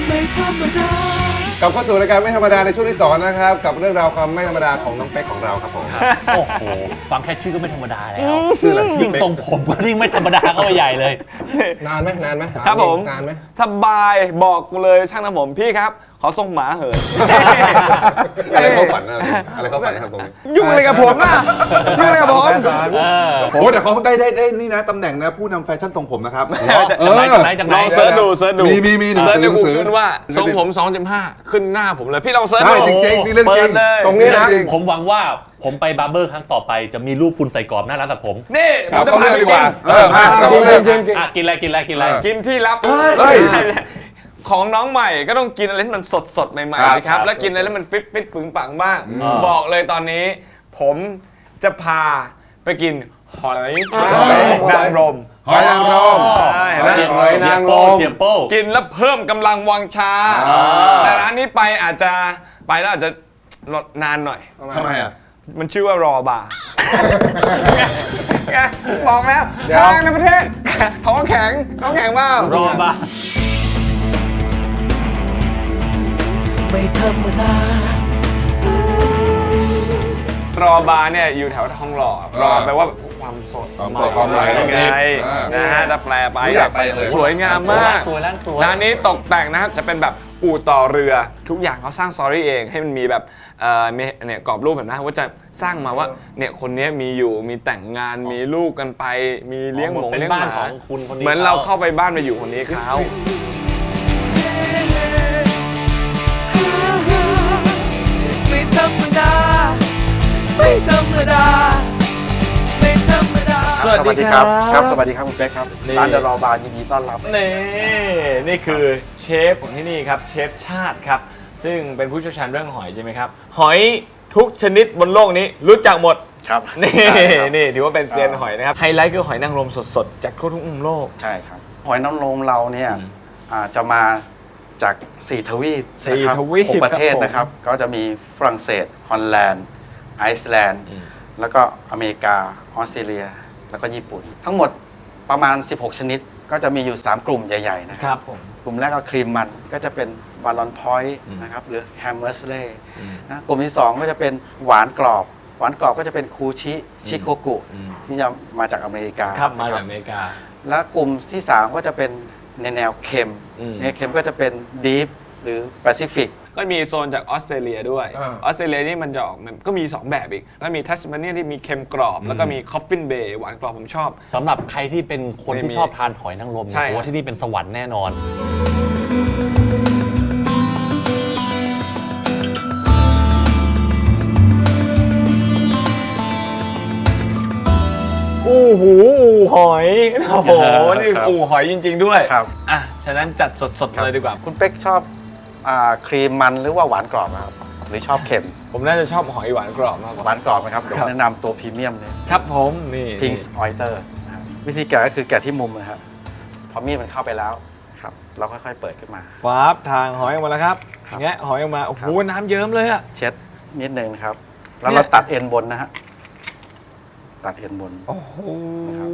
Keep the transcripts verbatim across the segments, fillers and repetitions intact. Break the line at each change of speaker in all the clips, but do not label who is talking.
ไม่ธรรมดาก
ลับเข้าสู่รายการไม่ธรรมดาในช่วงที่สองนะครับกับเรื่องราวความไม่ธรรมดาของน้องเป๊กของเราครับผม
โอ้โหฟังแค่ชื่อก็ไม่ธรรมดาแล้ว
ชื่ออะไร
ยิ่งทรงผมก็ยิ่งไม่ธรรมดาเข้าไปใหญ่เลย
นานไหมนานไหม
ครับผม
นานไหม
สบายบอกเลยช่างทำผมพี่ครับ ขอทรงหมาเหิน
อะไรเข้าฝันอะไรอะไรเข้าฝันครับตรงนี้
ยุ่งอะไรกับผมล่ะยุ่งอะไรกับผม
โอ้แต่เขาได้ได้ได้นี่นะตำแหน่งนะผู้นำแฟชั่นทรงผมนะครับ
จากไหนจากไหนจากไหน
ลองเสิร์ชดูเสิร์ชดู
มีมีมีหนัง
เสิร์ช
สือ
ใน
หนังสือ
Google ว่าทรงผมสองจุดห้าขึ้นหน้าผมเลยพี่ลองเสิร์ช
ได้
ดู
จริงๆนี่เรื่องจริง
ปิดเลย
ตรงนี้นะ
ผมหวังว่าผมไปบาร์เบอร์ครั้งต่อไปจะมีรูปคุณใส่กรอบหน้าร้านตัดผม
นี่ผ
ครั
ม
บ
จะ
เข้า
พา
เรื่อง
ไป
ดีก
กิ
ว่าน เออมา
เอา
กิน
เล
เลย ยกินกิน
อ่ะกินอะไรกินอะไรกินอะไร
กินที่ลับ
เฮ้ย
ของน้องใหม่ก็ต้องกินอะไรที่มันสดสดๆใหม่
ครับ
ๆสิครับ แล้วกินอะไรแล้วมันฟิตฟิตปึงปังบ้าง
อืม
บอกเลยตอนนี้ ผมจะพาไปกินหอยนางรม
หอยนางรม
ใช่แล้ว
หอยนางรม
เจียโป้
กินแล้วเพิ่มกำลังวังชา
อ่า
แต่ร้านนี้ไปอาจจะไปแล้วอาจจะรอนานหน่อย
ทำไมอ่ะ
มันชื่อว่ารอบาร์ไงบอกแล้ว
เดี๋ยว
ทางในประเทศท้องแข็งท้องแข็งมาก
รอบ้า
ไม่ธรรมดาร
อบาร์เนี่ยอยู่แถวทองหล่อรอแปลว่าความสด
ความสดความใหม่
ยังไง
อ่าน
นะฮะถ้าแปลไป
อยากไปเลย
สวยงามมาก
สวยร้านสวย
ร้านนี้ตกแต่งนะครับจะเป็นแบบอู่ต่อเรือทุกอย่างเขาสร้างสตอรี่เองให้มันมีแบบเอ่อมีเนี่ยกรอบรูปแบบนะว่าจะสร้างมาว่าเนี่ยคนนี้มีอยู่มีแต่งงานมีลูกกันไป มีเลี้ยงหมง
เป็น
เลี้ยง
บ้า
ห
น
มา
ของคุณคนนี้
เหมือนเราเข้าไปบ้านไปอยู่คนนี้เขา
ไม่ธรรมดาไม่ธรรมดาไม่ธรรมดา
สวัสดีครับ
ครับสวัสดีครับคุณเป๊กครับ
นี่
ร้านเดอะรอบาร์ยินดีต้อนรับ
นี่นี่คือเชฟของที่นี่ครับเชฟชาติครับซึ่งเป็นผู้เชี่ยวชาญเรื่องหอยใช่ไหมครับหอยทุกชนิดบนโลกนี้รู้จักหมด
ครับ
นี่
ใช่ครับ
นี่ถือว่าเป็นเซียนหอยนะครับไฮไลท์คือหอยนางรมสดๆจากทั่วทุกมุมโลก
ใช่ครับ หอยนางรมเราเนี่ย
อืม
อ่าจะมาจากสี่ทวีป
สี่
นะครับ
ทวีป
หกประเทศ
ครับผม
นะครับ ก็จะมีฝรั่งเศส ฮอลแลนด์ ไอซ์แลนด์
อืม
แล้วก็อเมริกา ออสเตรเลีย แล้วก็ญี่ปุ่น ทั้งหมดประมาณ สิบหก ชนิด ก็จะมีอยู่ สาม กลุ่มใหญ่ๆนะค
ครับ รับผม
กลุ่มแรกก็ครีมมันก็จะเป็นวาลอนพอยต์
อืม
นะครับหรือแฮมเมอร์สเล่
อืม
นะกลุ่มที่ สอง ก็จะเป็นหวานกรอบ หวานกรอบก็จะเป็นคูชิชิโคกุ
อืม
ที่จะมาจากอเมริกา
ครับมา
นะ
จากอเมริกา
และกลุ่มที่ สาม ก็จะเป็นในแนวเค็ม
อืม
ในเค็มก็จะเป็นดีฟหรือแปซิฟิก
ก็มีโซนจากออสเตรเลียด้วย
อ่า
ออสเตรเลียนี่มันจะออกมันก็มีสองแบบอีกก็มีทัสมาเนียที่มีเค็มกรอบ แล้วก็มีคอฟฟินเบย์หวานกรอบผมชอบ
สำหรับใครที่เป็นคน
ไม่
ที่
มี
ชอบทานหอยนางรม
ใช่
เนี่ยผมว่าที่นี่เป็นสวรรค์แน่นอน
อู้หูอู่หอยโอ้โหนี่
ครับ
อู่หอยจริง ๆ ด้วย
ครับ
อ่ะฉะนั้นจัดสดๆเลยดีกว่า
คุณเป๊กชอบอาครีมมันหรือว่าหวานกรอบครับหรือชอบเค็ม
ผมน่าจะชอบหอยหวานกรอบมากก
ห
ว่า
วานกรอบไหมครับเดี๋ยว
ครับ
แนะนำตัวพรีเมียมเลย
ครับผมนี่
พิงส์ออยเตอร์วิธีแกะก็คือแกะที่มุมนะครับพอมีดมันเข้าไปแล้วครับเราค่อยๆเปิดขึ้นมา
ฟาบทางหอยออกมาแล้วครับ
ครับ
แงะหอยออกมาโอ้โห
ครับ
น้ำเยิ้มเลยอะ
เช็ดนิดนึงนะครับ แล้ว
เนี่ย
เราตัดเอ็นบนนะฮะตัดเอ็นบน
โอ้โห
นะครับ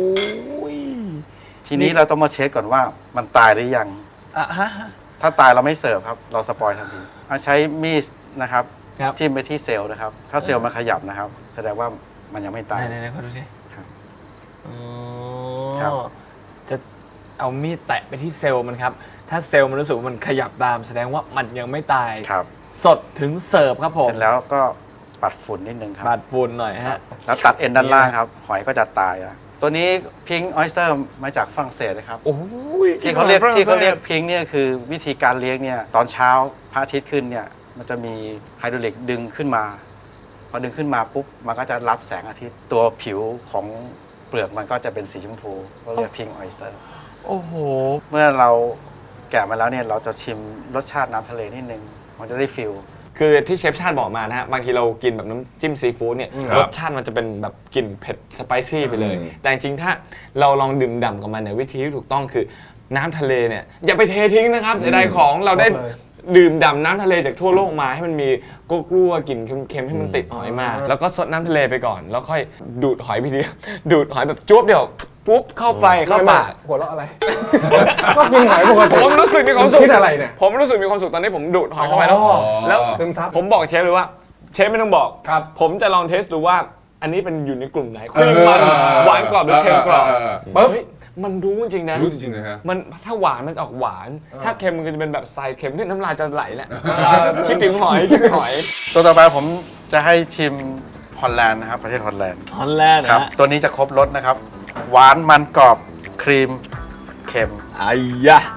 ทีนี้เราต้องมาเช็คก่อนว่ามันตายหรือยัง
อ่ะฮะ
ถ้าตายเราไม่เสิร์ฟครับ เราสปอยทันทีเอาใช้มีดนะครับ
ครับ
จิ้มไปที่เซลล์นะครับ ถ้าเซลล์มันขยับนะครับ แสดงว่ามันยังไม่ตาย
ไหนๆๆขอดูสิ
ครับ
อ๋อ
ครับ
จะเอามีดแตะไปที่เซลล์มันครับ ถ้าเซลล์มันรู้สึกว่ามันขยับตาม แสดงว่ามันยังไม่ตาย
ครับ
สดถึงเสิร์ฟครับผม
เสร็จแล้วก็ปัดฝุ่นนิดนึงครับ
บาดฝุ่นหน่อยฮะ
แล้วตัดเอ็นด้านล่างครับ หอยก็จะตายอ่ะตัวนี้พิงออยสเตอร์มาจากฝรั่งเศสนะครับ
โอ้ย
ที่เขาเรียกที่เขาเรียกพิงเนี่ยคือวิธีการเลี้ยงเนี่ยตอนเช้าพระอาทิตย์ขึ้นเนี่ยมันจะมีไฮดรอลิกดึงขึ้นมา พอดึงขึ้นมาปุ๊บมันก็จะรับแสงอาทิตย์ตัวผิวของเปลือกมันก็จะเป็นสีชมพูก็เรียกพิงออยสเตอร์
โอ้โห
เมื่อเราแกะมาแล้วเนี่ยเราจะชิมรสชาติน้ำทะเลนิดนึงมันจะได้ฟิล
คือที่เชฟชาติบอกมานะฮะบางทีเรากินแบบน้ำจิ้มซีฟู้ดเนี่ย
ครับ
รสชาติมันจะเป็นแบบกลิ่นเผ็ดสไปซี่ไปเลย
อืม
แต่จริงๆถ้าเราลองดื่มด่ำกับมันเนี่ยวิธีที่ถูกต้องคือน้ำทะเลเนี่ยอย่าไปเททิ้งนะครับเสียดายของเราได้ดื่มด่ำน้ำทะเลจากทั่วโลกมาให้มันมีกลัวๆกลิ่นเค็มๆให้มันติดหอยมา แล้วก็ซดน้ำทะเลไปก่อน แล้วค่อยดูดหอยไปทีเดียว ดูดหอยแบบจ้วบเดียวปุ๊บเข้าไปเข้าปาก
หัวเราะอะไร ก็กินหอยปกติ
ผมรู้สึกมีความสุข
คิดอะไรเนี่ย
ผมรู้สึกมีความสุขตอนนี้ผมดูดหอยเข้าไปแล้ว
อ๋อ
แล้ว
ซึมซับ
ผมบอกเชฟเลยว่าเชฟไม่ต้องบอก
ครับ
ผมจะลองเทสดูว่าอันนี้เป็นอยู่ในกลุ่มไหนครีมมันหวานกรอบหรือเค็มกรอบ
ปึ๊บ
เฮ้ยมันรู้จริงๆนะ
รู้จริงๆนะฮะ
มันถ้าหวานมันออกหวาน ถ้าเค็มมันก็จะเป็นแบบทรายเค็มที่น้ำลายจะไหลแหละคิดถึงหอยคิดถึงหอย
ตัวต่อไปผมจะให้ชิมฮอลแลนด์นะครับประเทศฮอลแลนด์
ฮอลแลนด์
ครับ
นะ
ตัวนี้จะครบรสนะครับ หวานมันกรอบครีมเค็ม
ไอ้ยะ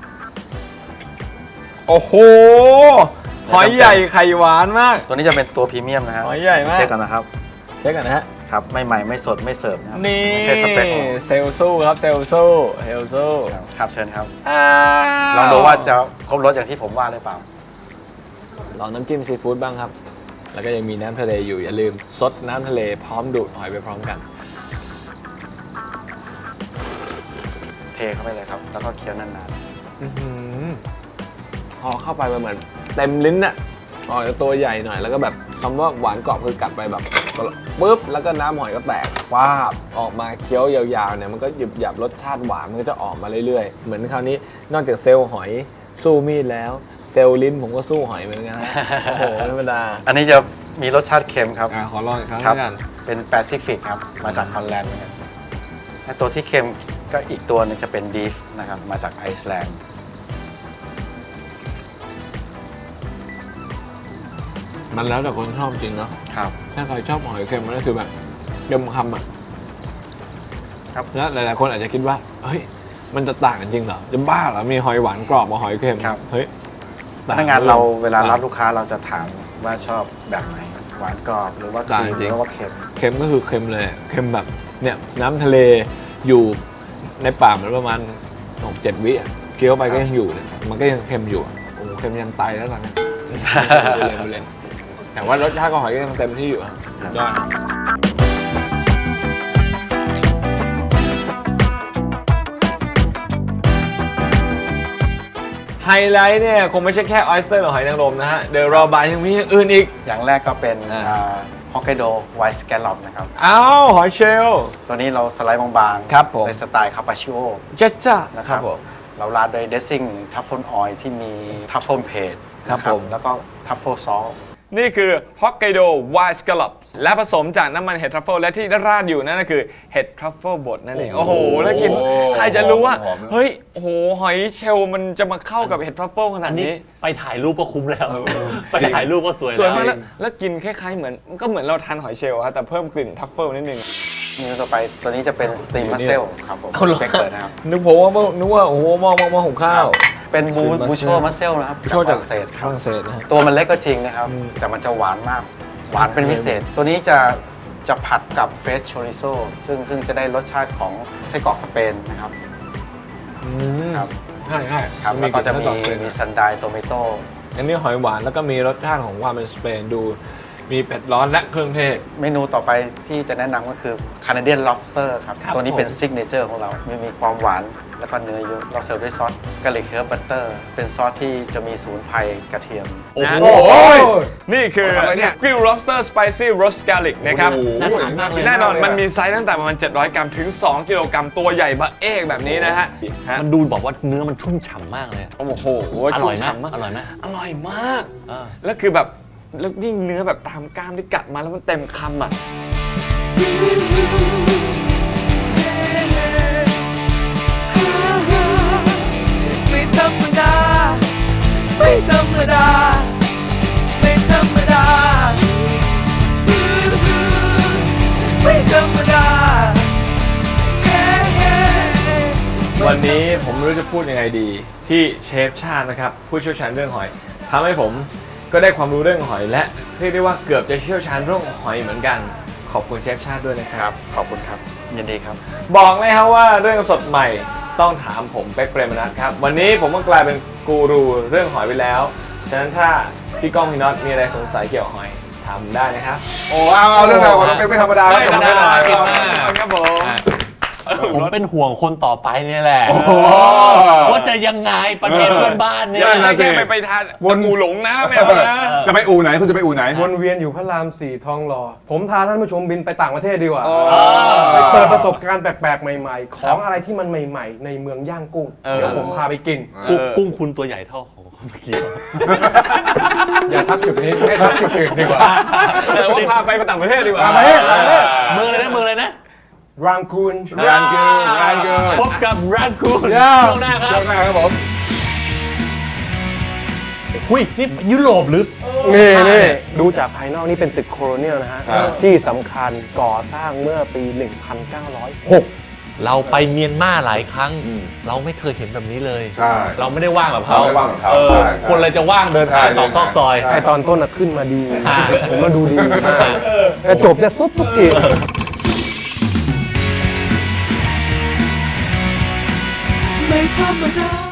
โอ้โหหอยใหญ่ไข่หวานมาก
ตัวนี้จะเป็นตัวพรีเมียมนะฮะ
หอยใหญ่มาก
เช็คกันนะครับ
เช็คกันนะฮะ
ครับไม่ใหม่ไม่สดไม่เสิร์ฟนะครับ
นี่
ไม่ใช่สเปคของ
เซลสู้ครับเซลสู้เซลสู้
ครับครับเชิญครับ
อ้าว
ลองดูว่าจะครบรสอย่างที่ผมว่าหรือเปล่า
ลองน้ำจิ้มซีฟู้ดบ้างครับ แล้วก็ยังมีน้ำทะเลอยู่อย่าลืมซดน้ำทะเลพร้อมดูดหอยไปพร้อมกัน
เทเข้าไปเลยครับ แล้วก็เคี้ยวนาน
อื้อหือพอเข้าไปมันเหมือนเต็มลิ้นอะหอยตัวใหญ่หน่อยแล้วก็แบบคำว่าหวานกรอบคือกัดไปแบบปุ๊บแล้วก็น้ำหอยก็แตกว้าบออกมาเคี้ยวยาวๆเนี่ยมันก็หยุบหยับรสชาติหวานมันก็จะออกมาเรื่อยๆ เหมือนคราวนี้นอกจากเซลล์หอยสู้มีดแล้ว เซลล์ลิ้นผมก็สู้หอยเหมือนกันนะ โอ้โหไม่ธรรมดา
ๆ อันนี้จะมีรสชาติเค็มครับ
อ่ะขอลองอีกครั้ง
ครั
แล้วกัน
เป็นแปซิฟิกครับ มาจากฮอลแลนด์เหมือนกันและตัวที่เค็มก็อีกตัวหนึงจะเป็นดีฟนะครับ มาจากไอซ์แลนด์
มันแล้วแต่คนชอบจริงเนาะ
ครับ
ถ้าใครชอบหอยเค็มมันก็คือแบบเค็มคำอ่ะ
ครับ
แล้วหลายๆคนอาจจะคิดว่าเฮ้ยมันจะต่างกันจริงเหรอจะบ้าเหรอมีหอยหวานกรอบกับหอยเค็ม
ครับ
เฮ้ย
พนักงานเราเวลารับ
ต่ง
ลูกค้าเราจะถามว่าชอบแบบไหน หวานกรอบหรือว่าค
ต่าง
รีม
จริ
ห
ง
รือว่าเค็ม
เค็มก็คือเค็มเลยเค็มแบบเนี่ยน้ำทะเลอยู่ในปากมันประมาณหกเจ็ดวิอ่ะเคี้ยวไปก็ยังอยู่เนี่ยมันก็ยังเค็มอยู่อะโอ้โหเค็มยันไตแล้วตอนเนี้ยเล่นเล่นแต่ว่ารสชาติของหอยก็ยังเต็มที่อยู่อะสุดยอดนะไฮไลท์เนี่ยคงไม่ใช่แค่ออยสเตอร์หรือหอยนางรมนะฮะเดี๋ยวรอบายยังมีอย่างอื่นอีก
อย่างแรกก็เป็น
อ่า
ฮอกไกโดไวท์สแกลลอปนะครับ
อ้าวหอยเชลล์
ตัวนี้เราสไลด์บางๆ
ครับผม
ในสไตล์คาปาชิโอ
จ้าจ้า
นะ
ค
ค
รั
รั
บบ ผม
เราราดด้วยเดซซิ่งทัฟเฟิลออยล์ที่มีทัฟเฟิลเพด
ครับผม
แล้วก็ทัฟเฟิลซอส
นี่คือฮอกไกโดไวท์สแกลลอปและผสมจากน้ำมันเห็ดทรัฟเฟิลและที่ราดอยู่นั่นก็คือเห็ดทรัฟเฟิลบดนั่นเอง โอ้โห แล้วกินใครจะรู้ว่า
หอมๆนะ
เฮ้ยโอ้โหหอยเชลล์มันจะมาเข้ากับเห็ดทรัฟเฟิลขนา
อั
ด
นนี้
นี้
ไปถ่ายรูปก็คุ้มแล้ว ไปถ่ายรูปก็สวย
สวยมาก
แล้
แล้ว วแล้วกินคล้ายๆเหมือนก็เหมือนเราทานหอยเชลล์ครับแต่เพิ่มกลิ่นทรัฟเฟิลนิดนึง
เมนูต่อไปตัวนี้จะเป็นสตีมมัสเซลครับผม
เอาเหรอ
เบเกิลนะครับ
นึกผมว่านึกว่าโอ้โหมองมองมองหุงข้าว
เป็นบู
Steam
บูโช
mussel
มัสเซลนะครับ
โชว์จาก
ฝรั่งเศสค
ฝ
รับ
รั่งเศสนะฮะ
ตัวมันเล็กก็จริงนะครับ
อืม
แต่มันจะหวานมาก หวานเป็นพิเศษ ตัวนี้จะจะผัดกับเฟสโชริโซซึ่งซึ่งจะได้รสชาติของไส้กรอกสเปนนะครับ
อืม
ครับ
ใช่ใช่
ครับแล้วก็จะมี
ลิ่น
มีซันไดโตเมโต้
อันนี้หอยหวานแล้วก็มีรสชาติของความเป็นสเปนดู มีเป็ดร้อนและเครื่องเทศ
เมนูต่อไปที่จะแนะนำก็คือ Canadian Lobster ครับ
ครับ
ตัวนี้เป็น
ผม
ซิกเนเจอร์ของเรามีมีความหวานแล้วก็เนื้อเยอะ เราเสิร์ฟด้วยซอสกะหรี่เคิร์ฟบัตเตอร์ เป็นซอสที่จะมีสมุนไพรกระเทียม
โอ้โห
นี่คือ
อะไรเนี่ย
กริล lobster spicy roast garlic นะครับ
โอ้โห
น่าทานมากเลย
แน่นอนมันมีไซส์ตั้งแต่ประมาณเจ็ดร้อยกรัมถึง สองกิโลกรัมตัวใหญ่บะเอกแบบนี้นะฮะฮะ
มันดูบอกว่าเนื้อมันชุ่มฉ่ำมากเลย
โอ้โห
อร่อยไหม
ชุ่ฉ่ำาก
อร่อยไหม
อร่อยมาก
อ่า
แล้วคือแบบแล้วยิ่งเนื้อแบบตามกล้ามที่กัดมาแล้วมันเต็มคำอ่ะ
ไม่ธรรมดา ไม่ธรรมดา ไม่ธรรมดา ไม่ธรรมดา
วันนี้ผมไม่รู้จะพูดยังไงดีที่เชฟชาตินะครับ ผู้เชี่ยวชาญเรื่องหอยทำให้ผมก็ได้ความรู้เรื่องหอยและเรียกได้ว่าเกือบจะเชี่ยวชาญเรื่องหอยเหมือนกัน ขอบคุณเชฟชาติด้วยนะค
ครับ รับ ขอบคุณครับ ยินดีครับ
บอกเลยครับว่าเรื่องสดใหม่ต้องถามผมเป๊กเปรมนัทครับ วันนี้ผมก็กลายเป็นกูรูเรื่องหอยไปแล้ว ฉะนั้นถ้าพี่ก้องพี่น็อตมีอะไรสงสัยเกี่ยวกับหอยถามได้นะครับ
โอ้เอาเอาเรื่องราวของน้องเป๊กไม่ธรรมดา
ไม่ธรรมดา
ไม่ธรรมดา
เก่งมาก
ครับผม
ผมเป็นห่วงคนต่อไปเนี่ยแหละ
โอ้โห
ว่าจะยังไงประเทศเพื่อนบ้านเนี่ย
อย่าแค่ไปไปทานวนหมูหลงนะไม่เอานะ
จะไปอู่ไหนคุณจะไปอู่ไหน
วนเวียนอยู่พระรามสี่ทองหล่อผมพาท่านผู้ชมบินไปต่างประเทศดีกว่า
อ๋อ
ไปเปิดประสบการณ์แปลกๆ ใหม่ๆ ของอะไรที่มันใหม่ๆ ในเมืองย่างกุ้ง เดี๋ยวผมพาไปกิน
กุ้งกุ้งคุณตัวใหญ่เท่าของเมื่อกี้
อย่าทักจุดนี้ให้ทักจุดอื่นดีกว่า
แต่ว่าพาไปต่างประเทศดีกว่า
ต่างประเทศต่างประเทศ
เมืองอะไรนะเมืองอะไรนะ
รังกูน
รันเกินรันเกิน
พบกับรันคูน
ย่า
ช่วงหน้าครับ
ช่วงหน้าครับผม
หุ้ยนี่ยุโรปหรือ
นี่นี่ดูจากภายนอกนี่เป็นตึกโคโลเนียลนะฮะ
ครับ
ที่สำคัญก่อสร้างเมื่อปี หนึ่งพันเก้าร้อยหก
เราไปเมียนมาหลายครั้ง เราไม่เคยเห็นแบบนี้เลย
ใช่
เราไม่ได้ว่างแบบเขา
เราไม่ว่างแบบเขา
เออ
ใช่ใช่
คนเลยจะว่างเดินทางต่อซอกซอย
ไอตอนต้นน่ะขึ้นมาดี
อ่า
ผมมาดูดีมากแต่จบเนี่ยปุ๊บปุ๊บอีก
ไม่ธรรมดา